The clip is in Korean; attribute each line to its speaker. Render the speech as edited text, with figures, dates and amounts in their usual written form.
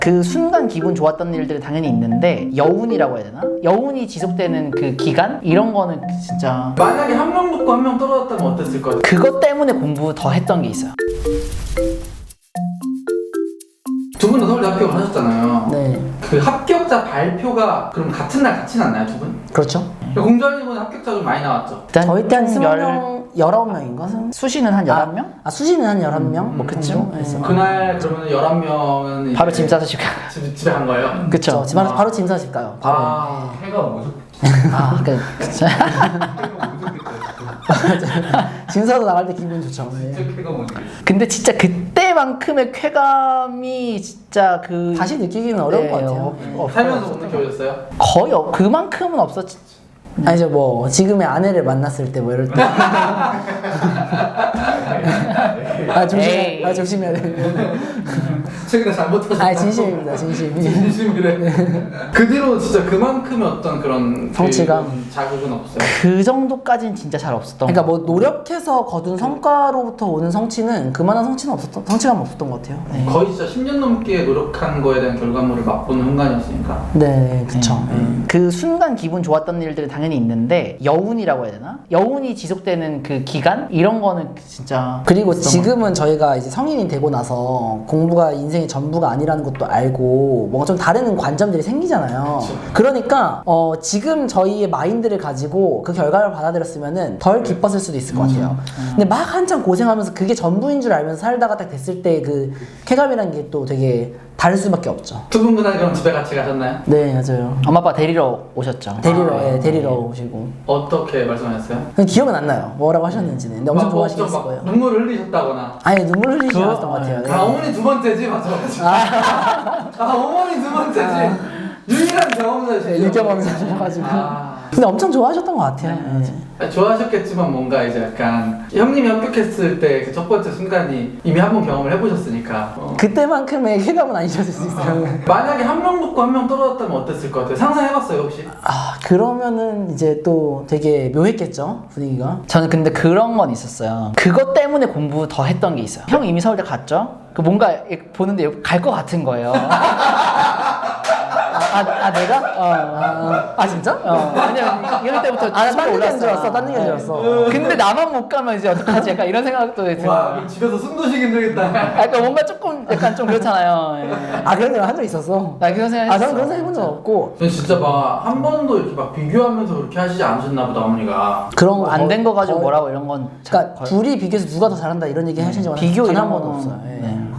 Speaker 1: 그 순간 기분 좋았던 일들이 당연히 있는데 여운이라고 해야 되나? 여운이 지속되는 그 기간? 이런 거는 진짜
Speaker 2: 만약에 한 명 붙고 한 명 떨어졌다면 어땠을 것 같아요?
Speaker 1: 그것 때문에 공부 더 했던 게 있어요.
Speaker 2: 두 분 다 서울대 합격을 하셨잖아요.
Speaker 3: 네,
Speaker 2: 그 합격자 발표가 그럼 같은 날 같이 났나요, 두 분?
Speaker 3: 그렇죠.
Speaker 2: 공자님은 합격자 좀 많이 나왔죠?
Speaker 1: 일단
Speaker 3: 저희 때 한
Speaker 1: 총
Speaker 3: 20명, 19명인가?
Speaker 1: 수시는 한 11명?
Speaker 3: 수시는 한 11명?
Speaker 1: 뭐 그쯤?
Speaker 2: 그날 그러면 11명은
Speaker 1: 바로 짐 싸서 집에
Speaker 2: 집에 간 거예요?
Speaker 1: 그쵸?
Speaker 3: 집 앞에서 바로 짐 싸집 가요. 바로.
Speaker 2: 해가 무섭
Speaker 1: 아, 그러니까 그쵸.
Speaker 3: 짐 싸서 나갈 때 기분 좋죠. 네.
Speaker 2: 해가 무섭
Speaker 1: 근데 진짜 그때만큼의 쾌감이 진짜 그
Speaker 3: 다시 느끼기는 어려운 것 같아요.
Speaker 2: 살면서 못 느껴보셨어요?
Speaker 1: 거의 그만큼은 없었지.
Speaker 3: 아니죠, 뭐 지금의 아내를 만났을 때 뭐 이럴 때.
Speaker 1: 에이.
Speaker 3: 조심해야 돼.
Speaker 2: 최근에 잘못하셨다고
Speaker 3: 진심입니다, 진심.
Speaker 2: 진심이래 그 뒤로 진짜 그만큼의 어떤 그런
Speaker 3: 성취감.
Speaker 2: 그 자극은 없어요?
Speaker 1: 그 정도까지는 진짜 잘 없었던
Speaker 3: 그러니까 뭐 노력해서 거둔 성과로부터 오는 성취는 그만한 성취감 없었던 것 같아요. 네,
Speaker 2: 거의 진짜 10년 넘게 노력한 거에 대한 결과물을 맛보는 순간이었으니까
Speaker 3: 네, 그쵸.
Speaker 1: 그 순간 기분 좋았던 일들이 당연히 있는데 여운이라고 해야 되나? 여운이 지속되는 그 기간? 이런 거는 진짜
Speaker 3: 그리고 지금은 저희가 이제 성인이 되고 나서 공부가 인생의 전부가 아니라는 것도 알고 뭔가 좀 다른 관점들이 생기잖아요.
Speaker 2: 그쵸.
Speaker 3: 그러니까 지금 저희의 마인드를 가지고 그 결과를 받아들였으면은 덜 기뻤을 수도 있을 것 같아요. 근데 막 한참 고생하면서 그게 전부인 줄 알면서 살다가 딱 됐을 때 그 쾌감이라는 게 또 되게 다를 수밖에 없죠.
Speaker 2: 두 분 그날 그럼 집에 같이 가셨나요?
Speaker 3: 네, 맞아요.
Speaker 1: 엄마 아빠 데리러 오셨죠?
Speaker 3: 데리러 오시고.
Speaker 2: 어떻게 말씀하셨어요?
Speaker 3: 그냥 기억은 안 나요. 뭐라고 하셨는지는. 근데 엄청
Speaker 2: 막
Speaker 3: 좋아하시겠을
Speaker 2: 막
Speaker 3: 거예요.
Speaker 2: 눈물을 흘리셨다거나
Speaker 3: 아니, 눈물 흘리지
Speaker 1: 그거-
Speaker 3: 않았던 것 같아요. 네.
Speaker 2: 아 어머니 두 번째지? 맞아 어머니 두 번째지 유일한 경험자시죠?
Speaker 3: 네, 유경험자셔가지고. 근데 엄청 좋아하셨던 것 같아요. 네.
Speaker 2: 좋아하셨겠지만 뭔가 이제 약간 형님이 합격했을 때 그 첫 번째 순간이 이미 한 번 경험을 해보셨으니까
Speaker 3: 그때만큼의 쾌감은 아니셨을 수 있어요.
Speaker 2: 만약에 한 명 붙고 한 명 떨어졌다면 어땠을 것 같아요? 상상해봤어요 혹시?
Speaker 3: 그러면은 이제 또 되게 묘했겠죠, 분위기가.
Speaker 1: 저는 근데 그런 건 있었어요. 그것 때문에 공부 더 했던 게 있어요. 형 이미 서울대 갔죠? 그 뭔가 보는데 갈 것 같은 거예요.
Speaker 3: 내가? 진짜?
Speaker 1: 왜냐면 이럴 때부터
Speaker 3: 딴
Speaker 1: 서울에
Speaker 3: 얘기인 줄
Speaker 1: 올랐어.
Speaker 3: 알았어, 딴 얘기인 줄 알았어.
Speaker 1: 근데 나만 못 가면 이제 어떡하지? 약간 이런 생각도 들어요.
Speaker 2: 와 그럼 집에서 숨도 쉬기 힘들겠다
Speaker 1: 그러니까 뭔가 조금 약간 좀 그렇잖아요. 예.
Speaker 3: 그런 일 한 적 있었어.
Speaker 1: 나 그런 생각 했어.
Speaker 3: 저는 그런 생각 해본 적 없고.
Speaker 2: 근데 진짜 막 한 번도 이렇게 막 비교하면서 그렇게 하시지 않으셨나 보다 어머니가
Speaker 3: 그런 거
Speaker 1: 안 된 거 가지고
Speaker 3: 거의-
Speaker 1: 뭐라고 이런 건
Speaker 3: 그러니까 둘이 비교해서 누가 더 잘한다 이런 얘기 하신 적은
Speaker 1: 비교
Speaker 3: 단
Speaker 1: 이런
Speaker 3: 한 번도
Speaker 1: 거는-
Speaker 3: 없어요. 예.
Speaker 1: 네.